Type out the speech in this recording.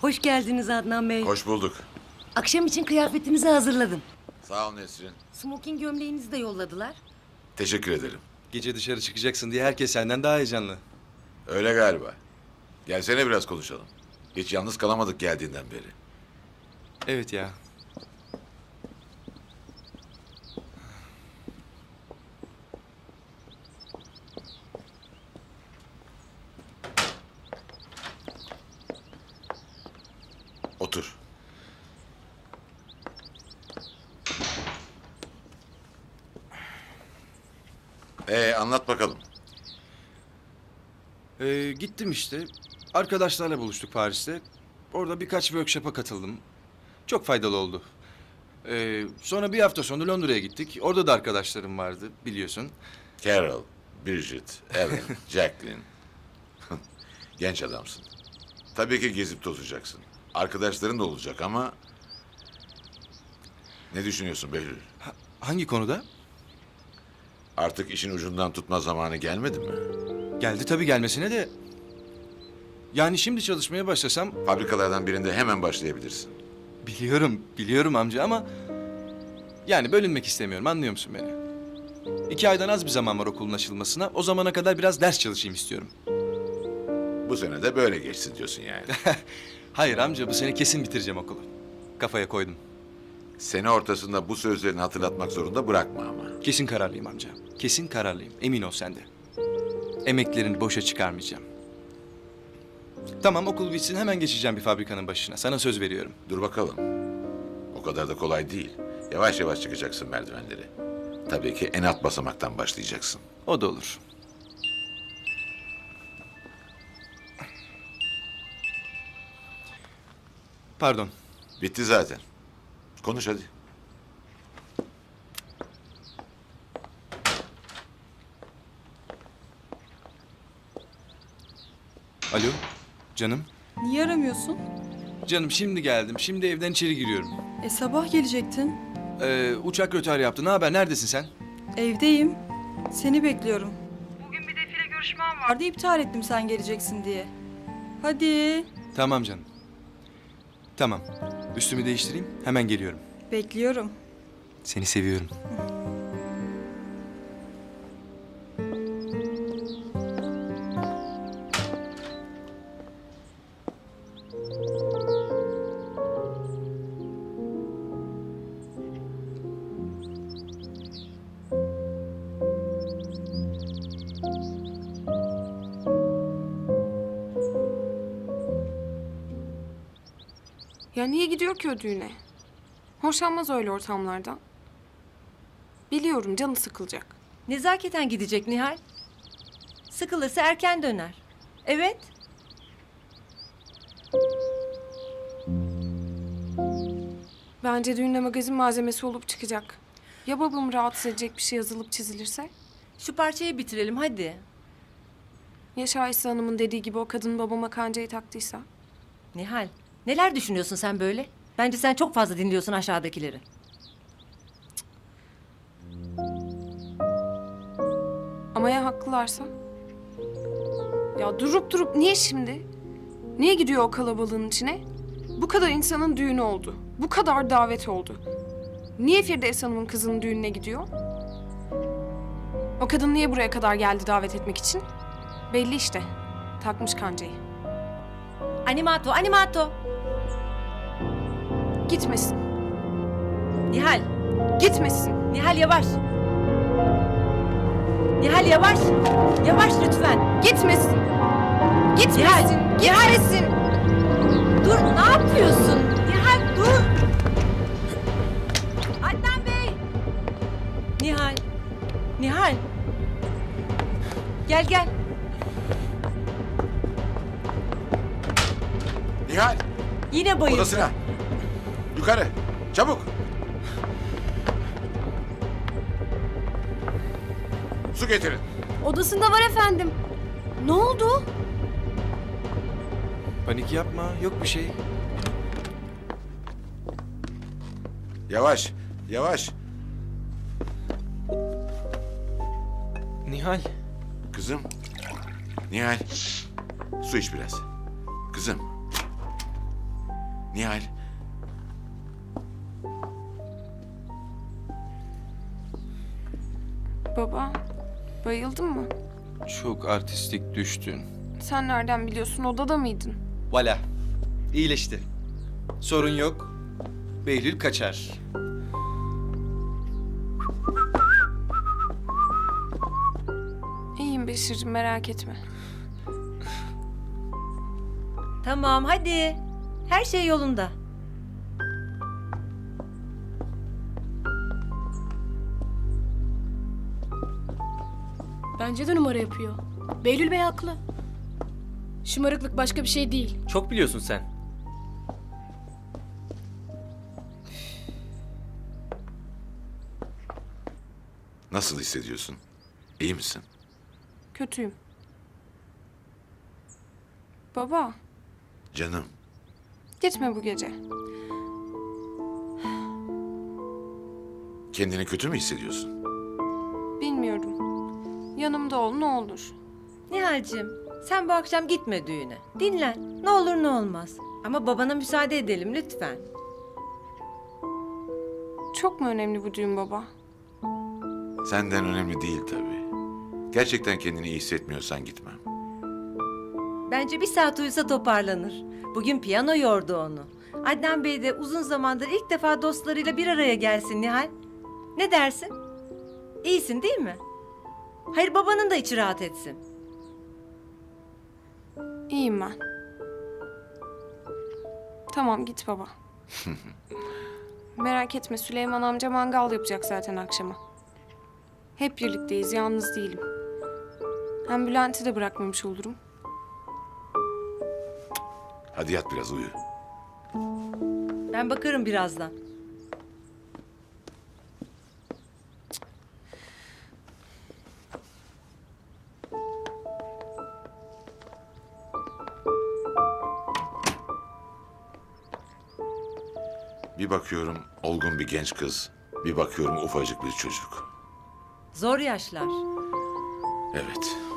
Hoş geldiniz Adnan Bey. Hoş bulduk. Akşam için kıyafetinizi hazırladım. Sağ ol Nesrin. Smoking gömleğinizi de yolladılar. Teşekkür ederim. Gece dışarı çıkacaksın diye herkes senden daha heyecanlı. Öyle galiba. Gelsene biraz konuşalım. Hiç yalnız kalamadık geldiğinden beri. Evet ya. Otur. Anlat bakalım. Gittim işte. Arkadaşlarla buluştuk Paris'te. Orada birkaç workshop'a katıldım. Çok faydalı oldu. Sonra bir hafta sonra Londra'ya gittik. Orada da arkadaşlarım vardı biliyorsun. Carol, Bridget, Ellen, Jacqueline. Genç adamsın. Tabii ki gezip tozacaksın. Arkadaşların da olacak ama... Ne düşünüyorsun Behlül? Hangi konuda? Artık işin ucundan tutma zamanı gelmedi mi? Geldi tabii gelmesine de. Yani şimdi çalışmaya başlasam... Fabrikalardan birinde hemen başlayabilirsin. Biliyorum amca ama... Yani bölünmek istemiyorum, anlıyor musun beni? 2 aydan az bir zaman var okulun açılmasına. O zamana kadar biraz ders çalışayım istiyorum. Bu sene de böyle geçsin diyorsun yani. Hayır amca, bu sene kesin bitireceğim okulu. Kafaya koydum. Sene ortasında bu sözlerini hatırlatmak zorunda bırakma ama. Kesin kararlıyım amca. Kesin kararlıyım. Emin ol sen de. Emeklerini boşa çıkarmayacağım. Tamam, okul bitsin hemen geçeceğim bir fabrikanın başına. Sana söz veriyorum. Dur bakalım. O kadar da kolay değil. Yavaş yavaş çıkacaksın merdivenleri. Tabii ki en alt basamaktan başlayacaksın. O da olur. Pardon. Bitti zaten. Konuş hadi. Alo. Canım. Niye aramıyorsun? Canım şimdi geldim. Şimdi evden içeri giriyorum. Sabah gelecektin. Uçak rötar yaptı. Ne haber? Neredesin sen? Evdeyim. Seni bekliyorum. Bugün bir defile görüşmem vardı. İptal ettim sen geleceksin diye. Hadi. Tamam canım. Tamam. Üstümü değiştireyim. Hemen geliyorum. Bekliyorum. Seni seviyorum. Ya niye gidiyor ki o düğüne? Hoşlanmaz öyle ortamlardan. Biliyorum canı sıkılacak. Nezaketen gidecek Nihal. Sıkılırsa erken döner. Evet. Bence düğünde magazin malzemesi olup çıkacak. Ya babamı rahatsız edecek bir şey yazılıp çizilirse? Şu parçayı bitirelim hadi. Ya Şahiste Hanım'ın dediği gibi o kadın babama kancayı taktıysa? Nihal, neler düşünüyorsun sen böyle? Bence sen çok fazla dinliyorsun aşağıdakileri. Ama ya haklılarsa? Ya durup niye şimdi? Niye gidiyor o kalabalığın içine? Bu kadar insanın düğünü oldu. Bu kadar davet oldu. Niye Firdevs Hanım'ın kızının düğününe gidiyor? O kadın niye buraya kadar geldi davet etmek için? Belli işte. Takmış kancayı. Animato, animato. Gitmesin. Nihal, Gitmesin. Nihal yavaş. Nihal yavaş. Yavaş lütfen. Gitmesin. Gitmesin. Nihal, Gitmesin. Dur, ne yapıyorsun? Nihal dur. Adnan Bey. Nihal. Nihal. Gel gel. Nihal, Yine bayıldı. odasına. Yukarı, çabuk. Su getirin. Odasında var efendim. Ne oldu? Panik yapma. Yok bir şey. Yavaş, yavaş. Nihal. Kızım. Nihal. Su iç biraz. Kızım. Nihal, Baba, bayıldın mı? Çok artistik düştün. Sen nereden biliyorsun? Odada mıydın? Valla. İyileşti. Sorun yok. Behlül kaçar. İyiyim Beşir'cim, merak etme. Tamam hadi. Her şey yolunda. Bence de numara yapıyor. Behlül Bey haklı. Şımarıklık başka bir şey değil. Çok biliyorsun sen. nasıl hissediyorsun? İyi misin? Kötüyüm. Baba, Canım, gitme bu gece. kendini kötü mü hissediyorsun? Bilmiyorum. Yanımda ol ne olur. Nihal'cim sen bu akşam gitme düğüne. Dinlen. Ne olur ne olmaz. Ama babana müsaade edelim lütfen. Çok mu önemli bu düğün baba? Senden önemli değil tabii. Gerçekten kendini iyi hissetmiyorsan gitmem. Bence bir saat uyusa toparlanır. Bugün piyano yordu onu. Adnan Bey de uzun zamandır ilk defa dostlarıyla bir araya gelsin Nihal. Ne dersin? İyisin değil mi? Hayır babanın da içi rahat etsin. İyiyim ben. Tamam git baba. Merak etme Süleyman amca mangal yapacak zaten akşama. Hep birlikteyiz, yalnız değilim. Hem Bülent'i de bırakmamış olurum. Hadi yat biraz uyu. Ben bakarım birazdan. Bir bakıyorum olgun bir genç kız. Bir bakıyorum ufacık bir çocuk. Zor yaşlar. Evet.